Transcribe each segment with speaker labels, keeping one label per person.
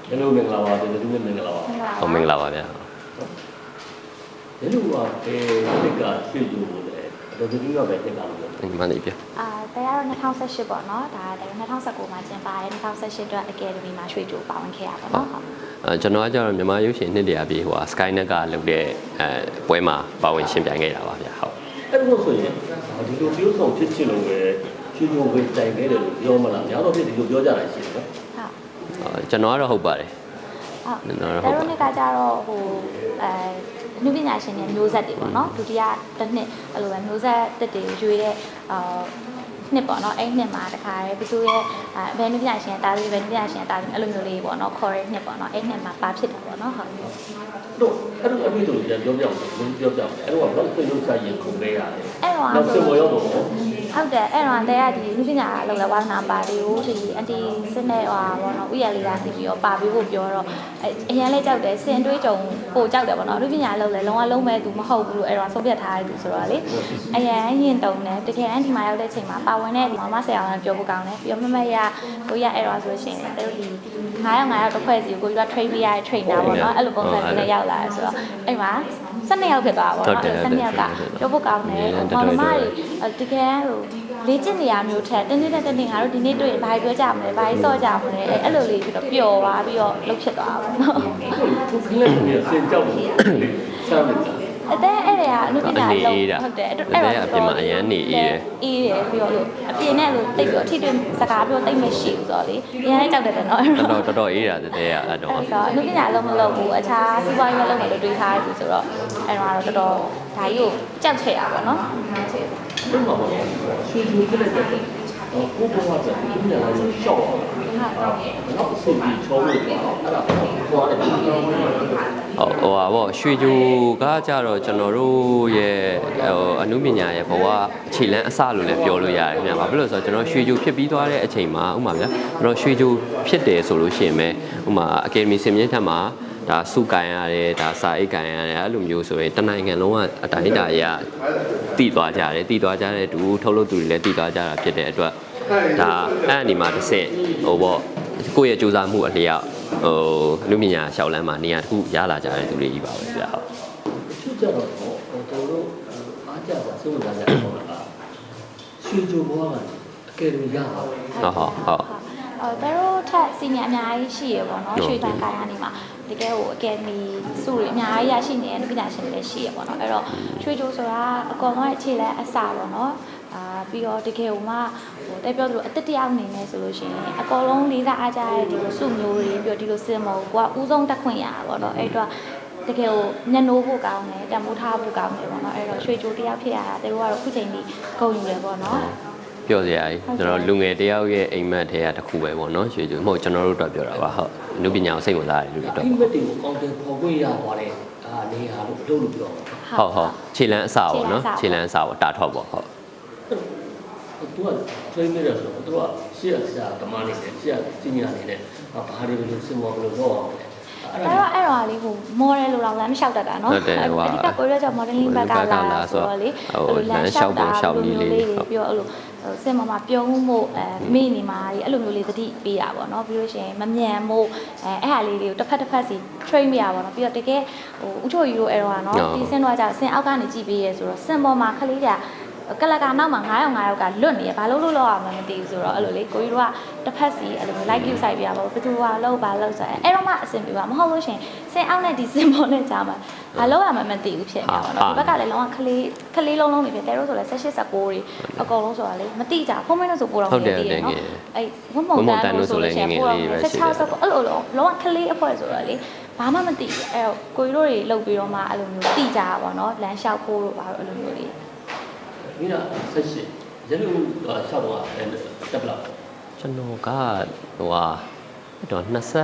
Speaker 1: Hello မင်္ဂလာပါဒီလိုမင်္ဂလာပါ
Speaker 2: ဟုတ်မင်္ဂလာပါဗျာ
Speaker 1: ဒီလိုပါဒီကရွှေယူလေတော်တော်ကြီးကပဲတက်လာလို့
Speaker 2: မှန်တယ်ဗျ
Speaker 3: တရားတော့2018ပေါ့နော်ဒါ2019မှာကျင်းပါတယ်2018အတွက် Academy မှာရွှေကြိုပါဝင်ခဲ့ရပါတော့
Speaker 2: ကျွန်တော်ကကျတော့မြန်မာရုပ်ရှင်နှစ်တရာပြေဟို Skynet ကလုပ်တဲ့ပွဲမှာပါဝင်ရှင်ပြိုင်ခဲ့တာပါဗျာဟုတ်
Speaker 1: အဲ့လိုဆိုရင်ဒီလိုပြောဆောင်ဖြစ်ချင်လို့ပဲရွှေကြိုပဲတိုင်ခဲ့တယ်လို့ပြောမလားများတော့ဖြစ်ဒီလိုပြောကြတာရှိတယ်နော်
Speaker 2: ဟုတ်ကျွန်တော်ကတော့ဟုတ်ပါတယ်
Speaker 3: ဟုတ်တော်တော်နှစ်ကကြတော့ဟိုနုပညာရှင်တွေမျိုးဆက်တွေပေါ့နော်ဒုတိယတစ်နှစ်အဲ့လိုပဲမျိုးဆက်တက်တွေရွေးတဲ့နှစ်ပေါ့နော်အဲ့နှစ်မှာတခါရဲဘသူရဲ့ဘယ်နုပညာရှင်တားလေးပဲနုပညာရှင်တားလေးအဲ့လိုမျိုးလေးပေါ့နော်ခေါ်ရဲနှစ်ပေါ့နော်အဲ့နှစ်မှာပါဖြစ်တာပေါ့နော်ဟုတ်
Speaker 1: တို့အဲ့လိုအပြီးတို့ပြောပြအောင်ပြောပြအောင်အဲ့တော့ဘာလို့ဆွေးနွေးချရင်ခုန်ခဲ့ရလဲ
Speaker 3: အဲ့တော့
Speaker 1: နောက်ဆွေးနွေးရောပေါ့
Speaker 3: ဟုတ်တယ်အဲ့တော့တရားဒီနုပညာလောက်လဲဝါနာပါတီကိုဒီအန်တီစစ်နဲ့ဟောပေါ့နော်ဥရလေးကနေပြီးတော့ပါပြီးဖို့ပြောတော့အရင်လေးကြောက်တယ်စင်တွေးကြုံပို့ကြောက်တယ်ပေါ့နော်နုပညာလောက်လဲလုံးဝလုံးမဲ့သူမဟုတ်ဘူးလို့အဲ့တော့ဆုံးဖြတ်ထားရသူဆိုတော့လေအရင်ရင်တုံတယ်တကယ်အန်တီမာရောက်တဲ့အချိန်မှာပါဝင်တဲ့ဒီမမဆရာကပြောဖို့ကောင်းတယ်ပြီးတော့မမရကိုရအဲ့တော့ဆိုရှင်တို့ဒီ900တစ်ဖွဲ့စီကိုကြီးက train ပေးရတဲ့ trainer ပေါ့နော်အဲ့လိုပုံစံမျိုးနဲ့ရောက်လာတယ်ဆိုတော့အဲ့မှာ12ယောက်ဖြစ်သွားပါတော့12ယောက်ကပြောဖို့ကောင်းတယ်မောင်မတွေတကယ်ဟိုလေ့ကျင့်နေရမျိုးထက်တင်းတင်းတင်းတင်းငါတို့ဒီနေ့တွေ့ရင်ဘာပြောကြမလဲဘာစော့ကြမလဲအဲ့လိုလေးပြီးတော့ပျော်သွားပြီးတော့လှုပ်ဖြစ်သွားပါတော့
Speaker 1: သူကလည်းစင်ကြောက်တယ်ဆမ်းနေတာ
Speaker 3: အဲ့အဲ့ဒါကအနုပညာလုံးဟုတ်တယ်
Speaker 2: အဲ့ဒါအပြင်မှာအရန်နေအေးတယ်
Speaker 3: အေးတယ်ပြီးတော့လို့အပြင်နဲ့လို့တိတ်ပြီးတော့ထိတွေ့စကားပြောတိတ်မရှိဘူးဆိုတော့လေအရင်လည်းကြောက်တယ်နော်
Speaker 2: တော်တော်အေးတာတဲ့အဲ့တော့
Speaker 3: အနုပညာလုံးမလုပ်ဘူးအခြားစီးပွားရေးလုံးမယ်လို့တွေးထားတယ်ဆိုတော့အဲ့တော့တော်တော်ဒါကြီးကိုကြောက်ချင်ရပါတော့
Speaker 1: ဟုတ်ပါဘူးရွှေကြိုကလည်းကိုဘဝကဒီနေ့လည်းရှော့အောင်တော့အစီအပြီးချောလို့အဲ့ဒါဟောတယ်
Speaker 2: ဟိုဟာပေါ့ရွှေကြိုကကြတော့ကျွန်တော်တို့ရဲ့အနုပညာရဲ့ဘဝအခြေလန်းအစလို့လည်းပြောလို့ရတယ်ခင်ဗျာဘာဖြစ်လို့ဆိုတော့ကျွန်တော်ရွှေကြိုဖြစ်ပြီးသွားတဲ့အချိန်မှာဥမာဗျာကျွန်တော်ရွှေကြိုဖြစ်တယ်ဆိုလို့ရှိရင်ပဲဥမာအကယ်ဒမီစင်မြင့်ထက်မှာဒါစုကန်ရတယ်ဒါစာအိတ်ကန်ရတယ်အဲ့လိုမျိုးဆိုရင်တနိုင်ငံလုံးကအတိုင်းအတာရတည်သွားကြတယ်တည်သွားကြတဲ့တူထုတ်လုပ်သူတွေလည်းတည်သွားကြတာဖြစ်တဲ့အတွက်ဒါအဲ့ဒီမှာတစ်ဆင့်ဟိုပေါ့ကိုယ့်ရဲ့စူးစမ်းမှုအလျောက်လူပညာရှောက်လန်းမှာနေရာတစ်ခုရလာကြတဲ့သူတွေကြီးပါပဲဗျာဟုတ်
Speaker 1: သူကြတော့တို့အားကြပါစိုးလာကြတယ်ဟုတ်လားရွှေကြိုဘွားကအကယ်ဒမီရပါဘူး
Speaker 2: ဟုတ်
Speaker 3: တို့ထက်စီနီယာအများကြီးရှိရပေါ့နော်ရွှေတန်ကိုင်းကနေမှာတကယ်ဟိုအကယ်ဒမီစုတွေအများကြီးရရှိနေတဲ့ပညာရှင်တွေလည်းရှိရပေါ့နော်အဲ့တော့ရွှေကြိုဆိုတာအကောင်ကအခြေလဲအစာပေါ့နော်ပြီးတော့တကယ်ဟိုမှဟိုတက်ပြောသလိုအတက်တယောက်အနေနဲ့ဆိုလို့ရှိရင်အကောင်လုံးလေးစားအားကြတဲ့ဒီလိုစုမျိုးတွေပြီးတော့ဒီလိုစင်မောကိုကဥဆုံးတက်ခွင့်ရတာပေါ့နော်အဲ့တော့တကယ်ကိုညနိုးဖို့ကောင်းတယ်တမိုးထားဖို့ကောင်းတယ်ပေါ့နော်အဲ့တော့ရွှေကြိုတယောက်ဖြစ်ရတာတို့ကတော့ခုချိန်ကြီးဂုဏ်ယူတယ်ပေါ့နော်
Speaker 2: ပြောစရာကြီးကျွန်တော်လူငယ်တယောက်ရဲ့အိမ်မက်ထဲကတစ်ခုပဲပေါ့နော်ရွှေကြိုမဟုတ်ကျွန်တော်တို့အတွက်ပြောတာပါဟုတ်အနုပညာကိုစိတ်ဝင်စားတယ်လူတွေအတွက်
Speaker 1: အိမ်မက်တွေကိုကောင်းတယ်ပေါ်ခွင့်ရသွားတယ်နေဟာလို့လို့ပြော
Speaker 2: ဟုတ်ခြေလန်းအစာပေါ့နော်ခြေလန်းအစာပေါ့တာထော့ပေါ့ဟုတ်
Speaker 1: သူက train နေတယ်ဆိုတော့သူကရှေ့ဆရာဓမ္မနေတယ်ရှေ့စင်ညာနေတယ်ဘာတွေလို့စင်မောဘယ်လိုတော့အောင်လဲ
Speaker 3: အဲ့တော့လေးဟို model လို့တော့လမ်းမလျှောက်တတ်တာနော်အဓိကကိုရကြောင့် modeling ဘက်ကလာဆိုတော့လေ
Speaker 2: လမ်းလျှောက်ပုံလျှောက်နည်းလေး
Speaker 3: ပြီးတော့အဲ့လိုစင်မမှာပြုံးမှုမိနေမှာအဲ့လိုမျိုးလေးသတိပေးတာပေါ့နော်ပြီးလို့ရှိရင်မမြန်မို့အဲ့ဟာလေးတွေကိုတစ်ဖက်စီ train ပြရပါတော့ပြီးတော့တကယ်ဟိုဥချိုကြီးတို့အဲ့တော့နော်ဒီစင်တော့ကြာစင်အောက်ကနေကြည့်ပေးရဲဆိုတော့စင်ပေါ်မှာခလေးကြကလကနောက်မှာ900ယောက်ကလွတ်နေရဘာလို့လောက်အောင်မသိဘူးဆိုတော့အဲ့လိုလေကိုကြီးတို့ကတစ်ဖက်စီအဲ့လို like view စိုက်ပြရပါဘူးဘယ်သူကလောက်ပါလောက်ဆိုအဲ့တော့မှအဆင်ပြေပါမဟုတ်လို့ရှင်စင်အောက်နဲ့ဒီစင်ပေါ်နဲ့ကြာမှာဘာလို့ရမှမသိဘူးဖြစ်နေပါတော့ဒီဘက်ကလည်းလုံးဝခလေးလုံးနေဖြစ်တယ်တို့ဆိုလည်း18 19တွေအကုန်လုံးဆိုတာလေမသိကြဖုန်းမင်းတို့ဆိုပို့တော့မသိရနော်အဲ့ဝုံမုံတန်တို့ဆိုလည်းငယ်လေးပဲရှိတယ်16အဲ့လိုလုံးဝခလေးအဖွဲဆိုတော့လေဘာမှမသိဘူးအဲ့တော့ကိုကြီးတို့တွေလှုပ်ပြီးတော့မှအဲ့လိုမျိုးသိကြတာပေါ့နော်လမ်းလျှောက်ဖို့တို့ဘာလို့အဲ့လိုမျိုးလေး
Speaker 1: မင်းက18ရန်ကုန်ရှောက်တော့တက်ပလောက်
Speaker 2: ကျွန်တော်ကဟိုဟာတော့21 20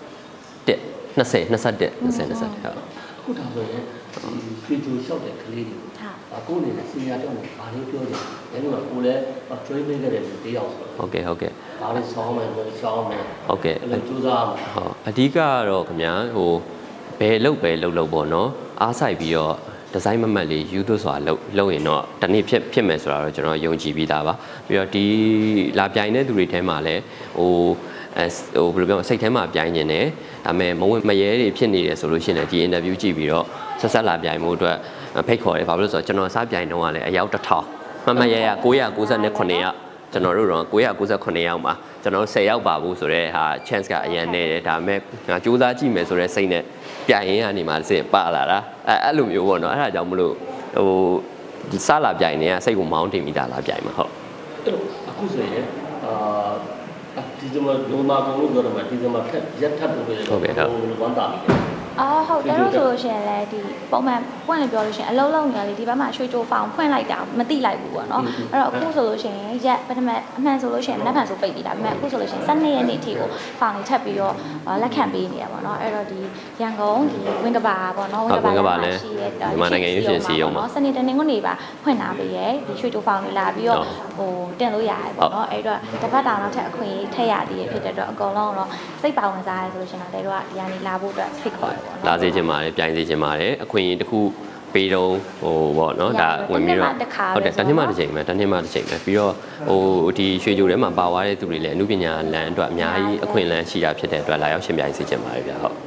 Speaker 2: ဟုတ်
Speaker 1: ခုဒါဆိုရင်ရွှေကြိုလျှောက်တဲ့ကလေးတွေကိုအနေနဲ့စီနီယာတောင်းတယ်ဘာလို့ပြောလဲရန်ကုန်ကကိုလည်း train ပေးခဲ့တဲ့လူတယောက်ဆိုတော့
Speaker 2: ဟုတ်ကဲ့
Speaker 1: ဘာလို့ဆောင်းမယ်ဆောင်းမယ်
Speaker 2: ဟုတ်ကဲ့
Speaker 1: အဲ့လိုကြိုးစားအောင်
Speaker 2: ဟုတ်အဓိကကတော့ခင်ဗျာဟိုဘယ်လုပ်ပေါ့နော်အားဆိုင်ပြီးတော့ဒီဇိုင်းမမတ်လေးယူသွစွာလုပ်ရင်တော့တနေ့ဖြစ်မယ်ဆိုတာတော့ကျွန်တော်ယုံကြည်ပြီးသားပါပြီးတော့ဒီလာပြိုင်တဲ့သူတွေထဲမှာလည်းဟိုဟိုဘယ်လိုပြောစိတ်ထဲမှာပြိုင်နေတယ်ဒါပေမဲ့မဝင်မရဲတွေဖြစ်နေတယ်ဆိုလို့ရှိရင်လည်းဒီ interview ကြည့်ပြီးတော့ဆက်ဆက်လာပြိုင်မှုအတွက်ဖိတ်ခေါ်တယ်ဘာလို့လဲဆိုတော့ကျွန်တော်စားပြိုင်တော့ကလည်းအယောက်1000မှတ်ရရ998ယောက်ကျွန်တော်တို့တော့998ယောက်မှာကျွန်တော်10ယောက်ပါဘူးဆိုတော့ဟာ chance ကအရင်နေတယ်ဒါပေမဲ့ငါစူးစမ်းကြည့်မယ်ဆိုတော့စိတ်နဲ့ပြိုင်ရင်းကနေမှစစ်ပါလာတာအဲ့လိုမျိုးပေါ့နော်အဲ့ဒါကြောင့်မလို့ဟိုဒီစားလာပြိုင်နေကစိတ်ကိုမောင်းတင်မိတာလာပြိုင်မှာဟုတ်
Speaker 1: အဲ့လိုအခုဆိုရင်ဒီဇင်ဘာနိုမာကုန်လို့ပြောတော့မှဒီဇင်ဘာထက်ရက်ထပ်လို့ပြောတယ်ဟုတ်ကဲ့ဟုတ်ဝမ်းတာပြီ
Speaker 3: အော်ဟုတ်တယ်လို့ဆိုလို့ရှိရင်လည်းဒီပုံမှန်ဖွင့်လို့ပြောလို့ရှိရင်အလုံးလုံးညာလေးဒီဘက်မှာရွှေကြိုးဖောင်ဖွင့်လိုက်တာမသိလိုက်ဘူးပေါ့နော်အဲ့တော့အခုဆိုလို့ရှိရင်ရက်ပထမအမှန်ဆိုလို့ရှိရင်မနက်ဖြန်ဆိုပိတ်ပြီးတာဒါပေမဲ့အခုဆိုလို့ရှိရင်12ရက်နေ့အထိကိုဖောင်လေးထပ်ပြီးတော့လက်ခံပေးနေရပါတော့အဲ့တော့ဒီရန်ကုန်ဒီဝင်းကဘာပေါ့နော်
Speaker 2: ဝင်းကဘာလည်းမြန်မာနိုင်ငံရွှေရှင်စီရုံမှာ
Speaker 3: စနေတနင်္ဂနွေနေ့ပါဖွင့်လာပေးရဲဒီရွှေကြိုးဖောင်လေးလာပြီးတော့ဟိုတင်လို့ရတယ်ပေါ့နော်အဲ့တော့တစ်ပတ်တောင်တော့ထက်အခွင့်အရေးထည့်ရသေးရဖြစ်တဲ့အတွက်အကုန်လုံးတော့စိတ်ပါဝင်စားရဲဆိုလို့ရှိရင်တော့တို့ကဒီကနေလာဖို့အတွက်ဖိတ်ခေါ်တယ်ပေါ့နော်
Speaker 2: လာစေချင်ပါတယ်ပြိုင်စေချင်ပါတယ်အခွင့်အရေးတစ်ခုပေးတော့ဟိုပေါ့နော်ဒါဝင်ပြီးတော့ဟုတ်တယ်တနေ့မှတစ်ချိန်ပဲပြီးတော့ဟိုဒီရွှေကြိုထဲမှာပါသွားတဲ့သူတွေလည်းအမှုပညာလမ်းအတွက်အများကြီးအခွင့်အလမ်းရှိတာဖြစ်တဲ့အတွက်လာရောက်ရှင်ပြိုင်စေချင်ပါတယ်ဗျဟုတ်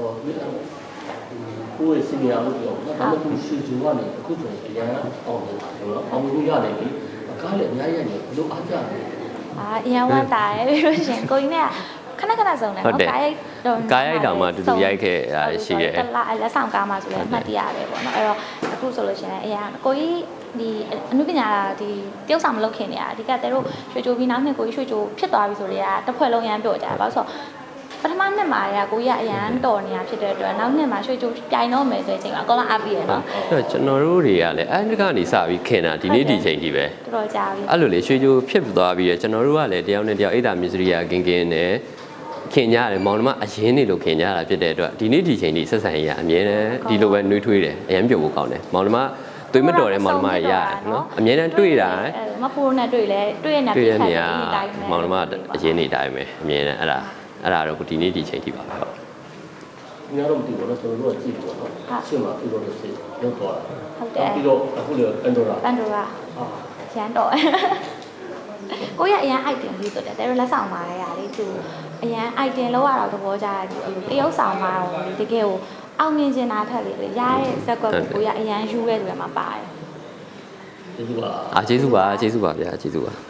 Speaker 1: ကိုယ့်ရဲ့စီနီယာလို့ပြောတော့ဒါမှမဟုတ်ရွှေကြိုကနေအခုဆိုရင်အရန်အောင်နေတာနော်အောင်လို့ရတယ်ပြီကားလည်းအများကြီးရတယ်ဘလို့အားကြတယ်
Speaker 3: အရန်ဝတ်တာရပြီးလို့ရှင်ကိုကြီးနဲ့ခဏစုံတယ်နော်
Speaker 2: ကားရိုက်တောင်မှတူတူရိုက်ခဲ့တာရှိတယ်
Speaker 3: လက်ဆောင်ကားမှဆိုလည်းအမှတ်တရပဲပေါ့နော်အဲ့တော့အခုဆိုလို့ရှိရင်အရာကိုကြီးဒီအနုပညာဒီတယောက်ဆောင်မလုပ်ခင်နေရအဓိကတဲတို့ရွှေကြိုပြီးနောက်နှစ်ကိုကြီးရွှေကြိုဖြစ်သွားပြီဆိုတော့တစ်ဖွဲ့လုံးရမ်းပြောကြတယ်ဘာလို့ဆိုပထမနှစ်မှာကိုကြီးကအရန်တော်နေတာဖြစ်တဲ့အတွက်နောက်နှစ်မှာရွှေကြိုပြိုင်တော့မယ်ဆိုတဲ့အချိန်မှာအကောင်လုံးအားပြီးရနော်
Speaker 2: အဲ့ကျွန်တော်တို့တွေကလည်းအဲ့ဒီကနေစပြီးခင်တာဒီနေ့ဒီချိန်ကြီးပဲ
Speaker 3: တော်တော်ကြာပြီ
Speaker 2: အဲ့လိုလေရွှေကြိုဖြစ်သွားပြီးရကျွန်တော်တို့ကလည်းတယောက်နဲ့တယောက်အိတ်တာမြစရိယာကင်းနဲ့ခင်ကြရတယ်မောင်နှမအရင်နေလို့ခင်ကြတာဖြစ်တဲ့အတွက်ဒီနေ့ဒီချိန်ဒီဆက်ဆံရေးအမြဲတမ်းဒီလိုပဲနှွေးထွေးတယ်အရင်ပြုတ်ဖို့ကောင်းတယ်မောင်နှမသွေးမတော်တဲ့မောင်နှမရရတယ်နော်အမြဲတမ်းတွေ့တာ
Speaker 3: မဖိုးနဲ့တွေ့လဲတွေ့ရနေပြီ
Speaker 2: ခိုင်နေတိုင်းမောင်နှမအရင်နေတိုင်းပဲအမြဲတမ်းအဲ့ဒါတော့ဒီနေ့ဒီချိန်ထိပါပဲဟုတ်
Speaker 1: ညတော့မသိဘူးနော်ကျွန်တော်တို့ကကြည့်ပေါ့နော်ရှင်းမှာပြီးတော့စစ်ရောက်သွားတာ
Speaker 3: ဟုတ်တယ်
Speaker 1: ပြီးတော့အခုလေပန်ဒိုရာ
Speaker 3: ရန်တော့ကိုရအရန် item လေးဆိုတယ်တဲလက်ဆောင်ပါလေသူအရန် item လောက်ရတော့သဘောကျတယ်သူတရုပ်ဆောင်ပါတော့တကယ်ကိုအောင်မြင်ချင်တာထက်လေရတဲ့ဇက်ကွက်ကိုရအရန်ယူရဲဆိုရမှာပါတယ်
Speaker 1: ကျေးဇူးပါ
Speaker 2: ကျေးဇူးပါဗျာကျေးဇူးပါ